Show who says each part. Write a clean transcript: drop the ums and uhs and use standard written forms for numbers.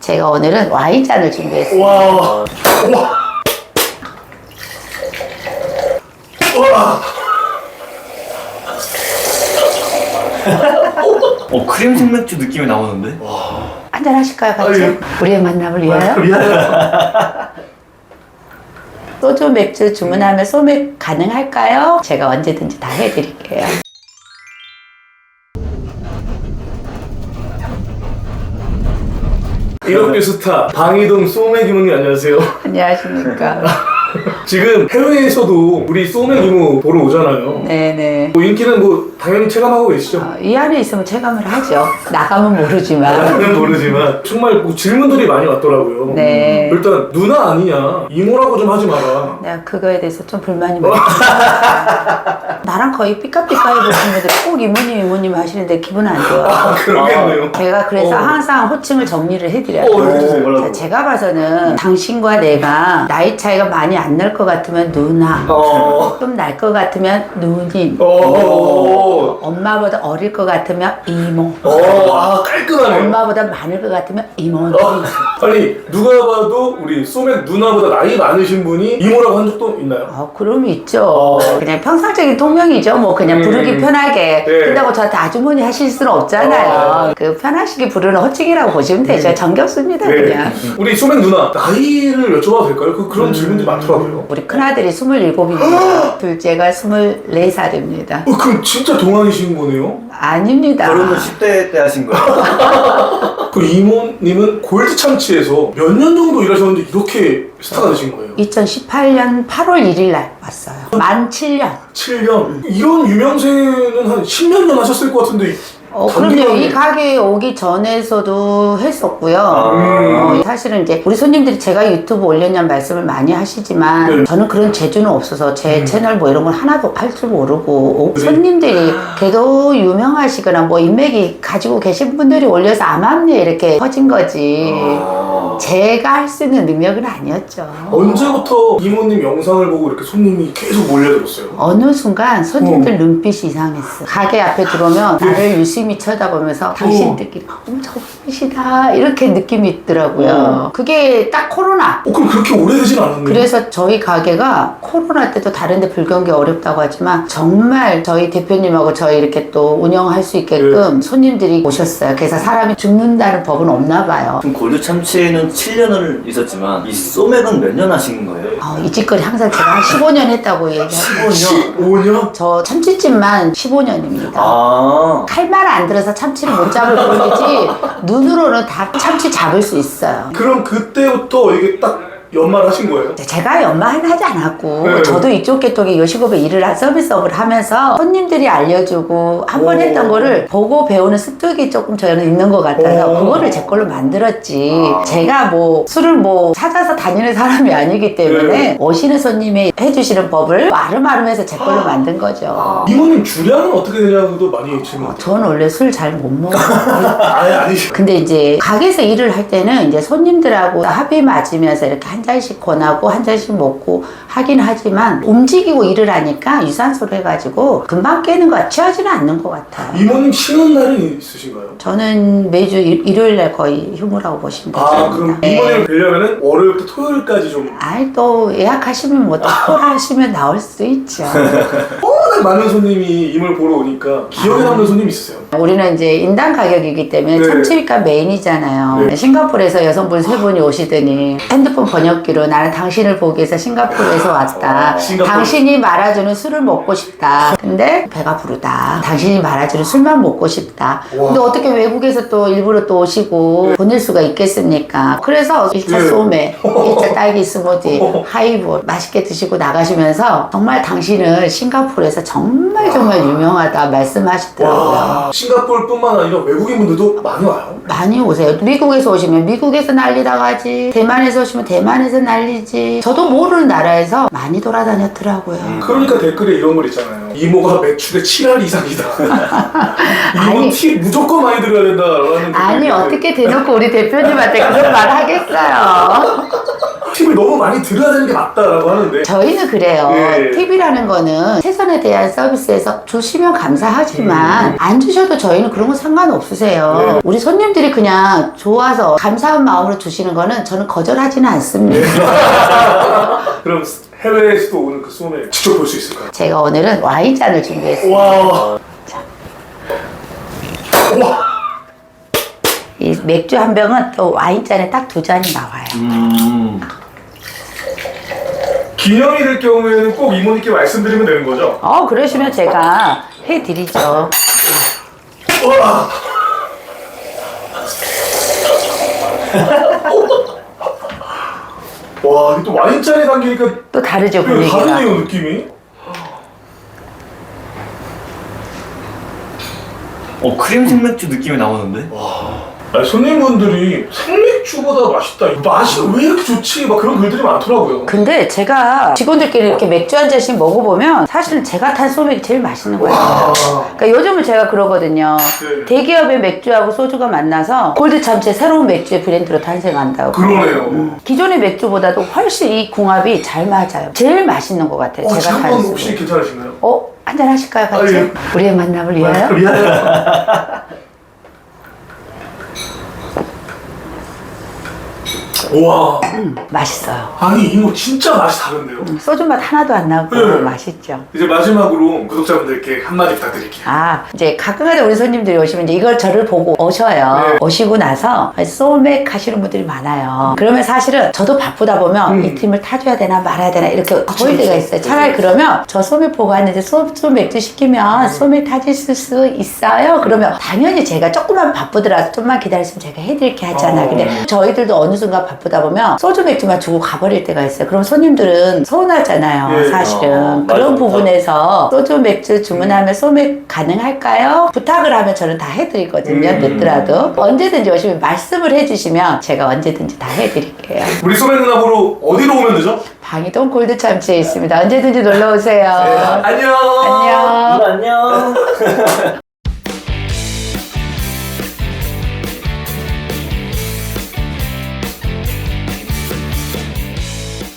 Speaker 1: 제가 오늘은 와인잔을 준비했습니다.
Speaker 2: 와. 와.
Speaker 3: 크림 생맥주 느낌이 나오는데?
Speaker 1: 한잔 하실까요, 같이?
Speaker 2: 아유.
Speaker 1: 우리의 만남을 위하여? 소주 맥주 주문하면 소맥 가능할까요? 제가 언제든지 다 해드릴게요.
Speaker 2: 이렇게 스타 방이동 소맥 이모님 안녕하세요.
Speaker 1: 안녕하십니까.
Speaker 2: 지금 해외에서도 우리 소맥 이모 보러 오잖아요.
Speaker 1: 네네.
Speaker 2: 뭐 인기는 뭐 당연히 체감하고 계시죠?
Speaker 1: 이 안에 있으면 체감을 하죠. 나가면 모르지만.
Speaker 2: 나는 모르지만 정말 뭐 질문들이 많이 왔더라고요.
Speaker 1: 네.
Speaker 2: 일단 누나 아니냐 이모라고 좀 하지 마라.
Speaker 1: 내가 그거에 대해서 좀 불만이 많아요. 나랑 거의 삐까삐까해 보시는데 꼭 이모님 하시는데 기분 안 좋아.
Speaker 2: 그러겠네요.
Speaker 1: 제가 그래서 항상 호칭을 정리를 해드려요.
Speaker 2: 해주세요.
Speaker 1: 자, 제가 봐서는 당신과 내가 나이 차이가 많이 안 날 것 같으면 누나, 좀 날 것 같으면 누님, 엄마보다 어릴 것 같으면 이모,
Speaker 2: 깔끔하네.
Speaker 1: 엄마보다 많을 것 같으면 이모님.
Speaker 2: 아니 누가 봐도 우리 소맥 누나보다 나이 많으신 분이 이모라고 한 적도 있나요?
Speaker 1: 그럼 있죠. 그냥 평상적인 통명이죠. 뭐 그냥 부르기 편하게.
Speaker 2: 네.
Speaker 1: 그렇다고 저한테 아주머니 하실 수는 없잖아요. 그 편하시게 부르는 호칭이라고 보시면 되죠. 정겹습니다, 그냥.
Speaker 2: 우리 소맥 누나 나이를 여쭤봐도 될까요? 그런 질문들이 많더라고요.
Speaker 1: 우리 큰아들이 27입니다. 둘째가 24살입니다.
Speaker 2: 그럼 진짜 동안이신 거네요?
Speaker 1: 아닙니다.
Speaker 3: 결혼은 10대 때 하신 거예요?
Speaker 2: 그 이모님은 골드 참치에서 몇 년 정도 일하셨는데 이렇게 스타가 되신 거예요?
Speaker 1: 2018년 8월 1일 날 왔어요. 만 7년.
Speaker 2: 7년? 이런 유명세는 한 10몇 년 하셨을 것 같은데
Speaker 1: 그럼요. 이 가게에 오기 전에서도 했었고요. 사실은 이제 우리 손님들이 제가 유튜브 올렸냐는 말씀을 많이 하시지만
Speaker 2: 네.
Speaker 1: 저는 그런 재주는 없어서 제 채널 뭐 이런 걸 하나도 할 줄 모르고 손님들이 걔도 유명하시거나 뭐 인맥이 가지고 계신 분들이 올려서 암암리에 이렇게 퍼진 거지 제가 할 수 있는 능력은 아니었죠.
Speaker 2: 언제부터 이모님 영상을 보고 이렇게 손님이 계속 몰려들었어요?
Speaker 1: 어느 순간 손님들 눈빛이 이상했어. 가게 앞에 들어오면 나를 유심히 쳐다보면서 당신들끼리 저분이시다 이렇게 느낌이 있더라고요. 그게 딱 코로나.
Speaker 2: 그럼 그렇게 오래되진 않았네요.
Speaker 1: 그래서 저희 가게가 코로나 때도 다른데 불경기 어렵다고 하지만 정말 저희 대표님하고 저희 이렇게 또 운영할 수 있게끔 손님들이 오셨어요. 그래서 사람이 죽는다는 법은 없나 봐요.
Speaker 3: 그럼 골드 참치는 7년을 있었지만 이 소맥은 몇 년 하신 거예요?
Speaker 1: 이 짓거리 항상 제가 한 15년 했다고 얘기하고
Speaker 2: 15년?
Speaker 1: 저 참치집만 15년입니다.
Speaker 3: 아.
Speaker 1: 칼만 안 들어서 참치를 못 잡을 뿐이지 눈으로는 다 참치 잡을 수 있어요.
Speaker 2: 그럼 그때부터 이게 딱 연말하신 거예요?
Speaker 1: 제가 연마는 하지 않았고
Speaker 2: 네.
Speaker 1: 저도 이쪽 계통에 요식업에 일을 서비스업을 하면서 손님들이 알려주고 한 번 했던 거를 보고 배우는 습득이 조금 저는 있는 것 같아서 그거를 제 걸로 만들었지 제가 뭐 술을 뭐 찾아서 다니는 사람이 아니기 때문에 오시는 손님이 해주시는 법을 아름아름해서 제 걸로 만든 거죠.
Speaker 2: 이모님 주량은 어떻게 되냐고도 많이 질문.
Speaker 1: 저는 원래 술 잘 못 먹어요.
Speaker 2: 아니죠.
Speaker 1: 근데 이제 가게에서 일을 할 때는 이제 손님들하고 합의 맞으면서 이렇게 한 잔씩 권하고 한 잔씩 먹고 하긴 하지만 움직이고 일을 하니까 유산소를 해가지고 금방 깨는 것 취하지는 않는 것 같아요.
Speaker 2: 이모님 쉬는 날은 있으신가요?
Speaker 1: 저는 매주 일요일 날 거의 휴무라고 보시면 되죠.
Speaker 2: 그럼 이모님을 뵈려면은 월요일부터 토요일까지 좀
Speaker 1: 아이 또 예약하시면 뭐 또 하시면 나올 수도 있죠.
Speaker 2: 워낙 많은 손님이 이모를 보러 오니까 기억에 남는 손님 있으세요?
Speaker 1: 우리는 이제 인당 가격이기 때문에
Speaker 2: 네.
Speaker 1: 참치가 메인이잖아요.
Speaker 2: 네.
Speaker 1: 싱가포르에서 여성분 3분이 오시더니 핸드폰 번역기로 나는 당신을 보기 위해서 싱가포르에서 왔다.
Speaker 2: 싱가포르.
Speaker 1: 당신이 말아주는 술을 먹고 싶다. 근데 배가 부르다. 당신이 말아주는 술만 먹고 싶다. 근데 어떻게 외국에서 또 일부러 또 오시고 보낼 수가 있겠습니까? 그래서 1차
Speaker 2: 네.
Speaker 1: 소맥, 1차 딸기 스무디, 하이볼 맛있게 드시고 나가시면서 정말 당신은 싱가포르에서 정말 유명하다 말씀하시더라고요.
Speaker 2: 싱가포르뿐만 아니라 외국인분들도 많이 와요.
Speaker 1: 많이 오세요. 미국에서 오시면 미국에서 난리 나가지. 대만에서 오시면 대만에서 난리지. 저도 모르는 나라에서 많이 돌아다녔더라고요.
Speaker 2: 그러니까 댓글에 이런 걸 있잖아요. 이모가 매출의 7할 이상이다. 이모
Speaker 1: 아니.
Speaker 2: 팁 무조건 많이 들어야 된다라는.
Speaker 1: 아니 어떻게 대놓고 우리 대표님한테 그런 말 하겠어요.
Speaker 2: 팁을 너무 많이 들어야 되는 게 맞다라고 하는데.
Speaker 1: 저희는 그래요.
Speaker 2: 예.
Speaker 1: 팁이라는 거는 최선에 대한 서비스에서 주시면 감사하지만 안 주셔도 저희는 그런 거 상관없으세요.
Speaker 2: 네.
Speaker 1: 우리 손님들이 그냥 좋아서 감사한 마음으로 주시는 거는 저는 거절하지는 않습니다.
Speaker 2: 그럼 해외에서도 오늘 그 소맥 직접 볼 수 있을까요?
Speaker 1: 제가 오늘은 와인잔을 준비했습니다.
Speaker 2: 와. 와.
Speaker 1: 이 맥주 한 병은 또 와인잔에 딱 2잔이 나와요.
Speaker 2: 기념이 될 경우에는 꼭 이모님께 말씀드리면 되는 거죠?
Speaker 1: 그러시면 제가 해드리죠.
Speaker 2: 와. 와, 이게 또 와인잔에 담기니까
Speaker 1: 또 다르죠, 분위기가.
Speaker 2: 다르네요, 느낌이.
Speaker 3: 크림 생맥주 느낌이 나오는데?
Speaker 2: 아니, 손님분들이 생맥주보다 맛있다. 맛이 왜 이렇게 좋지? 막 그런 글들이 많더라고요.
Speaker 1: 근데 제가 직원들끼리 이렇게 맥주 한 잔씩 먹어보면 사실은 제가 탄 소맥이 제일 맛있는 거예요.
Speaker 2: 와.
Speaker 1: 그러니까 요즘은 제가 그러거든요.
Speaker 2: 네.
Speaker 1: 대기업의 맥주하고 소주가 만나서 골드 참치 새로운 맥주의 브랜드로 탄생한다고.
Speaker 2: 그러네요.
Speaker 1: 기존의 맥주보다도 훨씬 이 궁합이 잘 맞아요. 제일 맛있는 것 같아요. 제가
Speaker 2: 한번
Speaker 1: 탄
Speaker 2: 혹시
Speaker 1: 소맥.
Speaker 2: 괜찮으신가요?
Speaker 1: 한잔 하실까요, 같이?
Speaker 2: 예.
Speaker 1: 우리의 만남을 위하여?
Speaker 2: 미안해요. 우와.
Speaker 1: 맛있어요.
Speaker 2: 아니, 이거 진짜 맛이 다른데요?
Speaker 1: 소주 맛 하나도 안 나고
Speaker 2: 네.
Speaker 1: 맛있죠.
Speaker 2: 이제 마지막으로 구독자분들께 한마디 부탁드릴게요.
Speaker 1: 이제 가끔가다 우리 손님들이 오시면 이제 이걸 저를 보고 오셔요.
Speaker 2: 네.
Speaker 1: 오시고 나서 소맥 하시는 분들이 많아요. 그러면 사실은 저도 바쁘다 보면 이 팀을 타줘야 되나 말아야 되나 이렇게 거릴 때가 있어요. 차라리 그러면 저 소맥 보고 왔는데 소맥주 시키면 소맥 타주실 수 있어요? 그러면 당연히 제가 조금만 바쁘더라도 좀만 기다렸으면 제가 해드릴게 하잖아요. 근데 저희들도 어느 순간 바쁘다 보면 소주 맥주만 주고 가버릴 때가 있어요. 그럼 손님들은 서운하잖아요.
Speaker 2: 네.
Speaker 1: 사실은.
Speaker 3: 맞아,
Speaker 1: 그런
Speaker 3: 맞아.
Speaker 1: 부분에서 소주 맥주 주문하면 소맥 가능할까요? 부탁을 하면 저는 다 해드리거든요. 늦더라도. 언제든지 오시면 말씀을 해주시면 제가 언제든지 다 해드릴게요.
Speaker 2: 우리 소맥 누나 보러 어디로 오면 되죠?
Speaker 1: 방이동 골드참치에 있습니다. 언제든지 놀러오세요.
Speaker 2: 안녕.
Speaker 1: 안녕.
Speaker 3: 안녕.